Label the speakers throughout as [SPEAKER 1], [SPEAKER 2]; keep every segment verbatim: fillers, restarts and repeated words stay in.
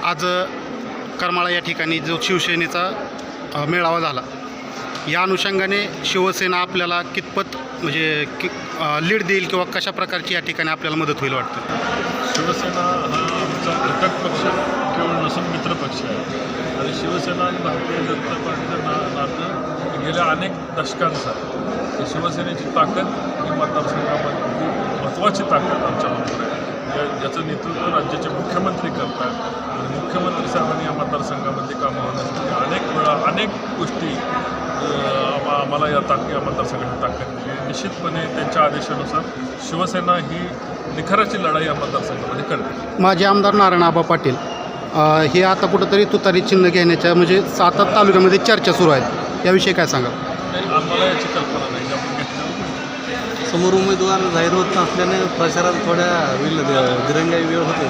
[SPEAKER 1] आज करमाळा या ठिकाणी जो शिवसेनेचा अ, मेळावा झाला, या अनुषंगाने शिवसेना आपल्याला कितपत म्हणजे कि लीड देईल किंवा कशा प्रकारची या ठिकाणी आपल्याला मदत होईल वाटतं?
[SPEAKER 2] शिवसेना हा आमचा घटक पक्ष केवळ नसून मित्र पक्ष आहे आणि शिवसेना आणि भारतीय जनता पार्टीचं ना नातं गेल्या अनेक दशकांचा आहे. शिवसेनेची ताकद ही मतदारसंघामधली महत्त्वाची ताकद आमच्याबरोबर आहे. या याचं नेतृत्व राज्याचे मुख्यमंत्री करतात आणि मुख्यमंत्री साहेबांनी या मतदारसंघामध्ये कामं होण्यासाठी अनेक वेळा अनेक गोष्टी आम्हा आम्हाला या ताक या मतदारसंघाची ताकद दिली. निश्चितपणे त्यांच्या आदेशानुसार शिवसेना ही निखराची लढाई या मतदारसंघामध्ये करते.
[SPEAKER 1] माजी आमदार नारायण आबा पाटील अ, हे आता कुठंतरी तुतारी चिन्ह घेण्याच्या म्हणजे सातारा तालुक्यामध्ये चर्चा सुरू आहेत, याविषयी काय सांगा?
[SPEAKER 2] आम्हाला याची कल्पना नाही की आपण घेतल्यावर
[SPEAKER 3] समोर उमेदवार जाहीर होत नसल्याने प्रचारात थोड्या विल दिरंगाई वेळ होते.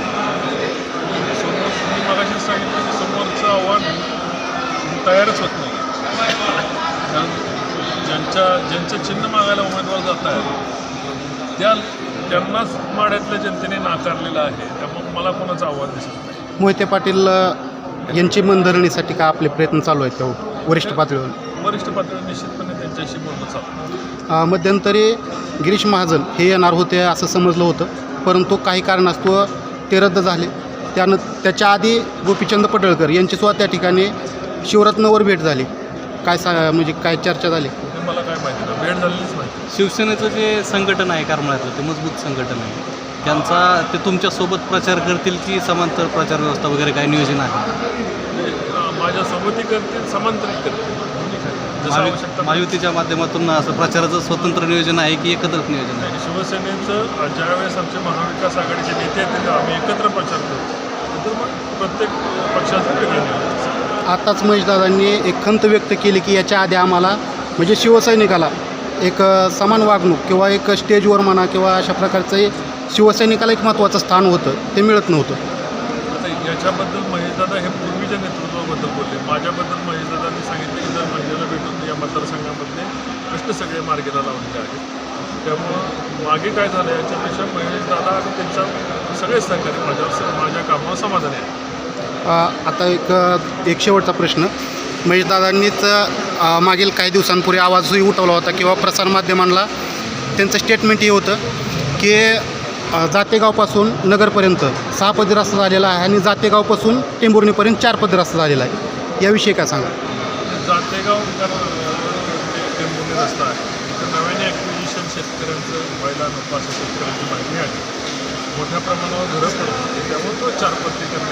[SPEAKER 2] समोर मी मगाशीच सांगितलं की समोरचं आव्हान तयारच होत नाही. कारण ज्यांच्या ज्यांचं चिन्ह मागायला उमेदवार जात आहे त्या त्यांनाच माड्यातल्या जनतेने नाकारलेलं आहे. त्यामुळे मला कोणाचं आव्हान दिसत नाही.
[SPEAKER 1] मोहिते पाटील अ, यांची मनधरणीसाठी का आपले प्रयत्न चालू आहेत तेव्हा वरिष्ठ पातळीवर?
[SPEAKER 2] वरिष्ठ पातळीवर निश्चितपणे त्यांच्याशी बोलणं चालू.
[SPEAKER 1] अ, मध्यंतरी गिरीश महाजन हे येणार होते असं समजलं होतं, परंतु काही कारणास्तव ते रद्द झाले. त्यानं त्याच्या आधी गोपीचंद पडळकर यांचीसुद्धा त्या ठिकाणी शिवरत्नवर भेट झाली. काय सा म्हणजे काय चर्चा झाली?
[SPEAKER 2] हे मला काय माहिती नाही. भेट झालेलीच माहिती.
[SPEAKER 3] शिवसेनेचं जे संघटन आहे करमाळ्यातलं ते मजबूत संघटन आहे. त्यांचा ते तुमच्यासोबत प्रचार करतील की समांतर प्रचार व्यवस्था वगैरे काय नियोजन आहे?
[SPEAKER 2] माझ्या सोबती करतील, समांतरित करतील. जसं
[SPEAKER 3] महायु-
[SPEAKER 2] आवश्यकता
[SPEAKER 3] महायुतीच्या माध्यमातून असं प्रचाराचं स्वतंत्र नियोजन आहे की एकत्र नियोजन आहे?
[SPEAKER 2] शिवसेनेचं ज्यावेळेस आमचे महाविकास आघाडीचे नेते आहेत तेव्हा आम्ही एकत्र प्रचार करतो. नंतर मग प्रत्येक पक्षाचं वेगळं नियोजन असतं.
[SPEAKER 1] आताच महेशदादांनी एक खंत व्यक्त केली की याच्या आधी आम्हाला म्हणजे शिवसैनिकाला एक अ, समान वागणूक किंवा एक स्टेजवर म्हणा किंवा अशा प्रकारचं शिवसैनिकाला एक महत्त्वाचं स्थान होतं, ते मिळत नव्हतं.
[SPEAKER 2] आता याच्याबद्दल महेशदादा हे पूर्वीच्या नेतृत्वाबद्दल बोलले. माझ्याबद्दल महेशदादांनी सांगितले की जर महिन्याला भेटून या मतदारसंघामधले कष्ट सगळे मार्गेला लावलेले आहेत. त्यामुळं मागे काय झालं याच्यापेक्षा महेशदादा आणि त्यांच्या सगळे सहकारी माझ्यावर माझ्या कामावर समाधानी आहे.
[SPEAKER 1] अ, आता एक एक शेवटचा प्रश्न. महेशदादांनीच अ, मागील काही दिवसांपूर्वी आवाजही उठवला होता किंवा प्रसारमाध्यमांना त्यांचं स्टेटमेंटही होतं की अ, जातेगावपासून नगरपर्यंत सहा पदरी रस्ता झालेला आहे आणि जातेगावपासून टेंभुर्णीपर्यंत चार पदरी रस्ता झालेला आहे, याविषयी काय सांगा?
[SPEAKER 2] जातेगाव टेंभुर्णी रस्ता आहे. तर नव्याने ॲक्विजिशन शेतकऱ्यांचं व्हायला नको असं शेतकऱ्यांची मागणी आहे. मोठ्या प्रमाणावर घरं पडत होती त्यामुळे तो चार पत्रिका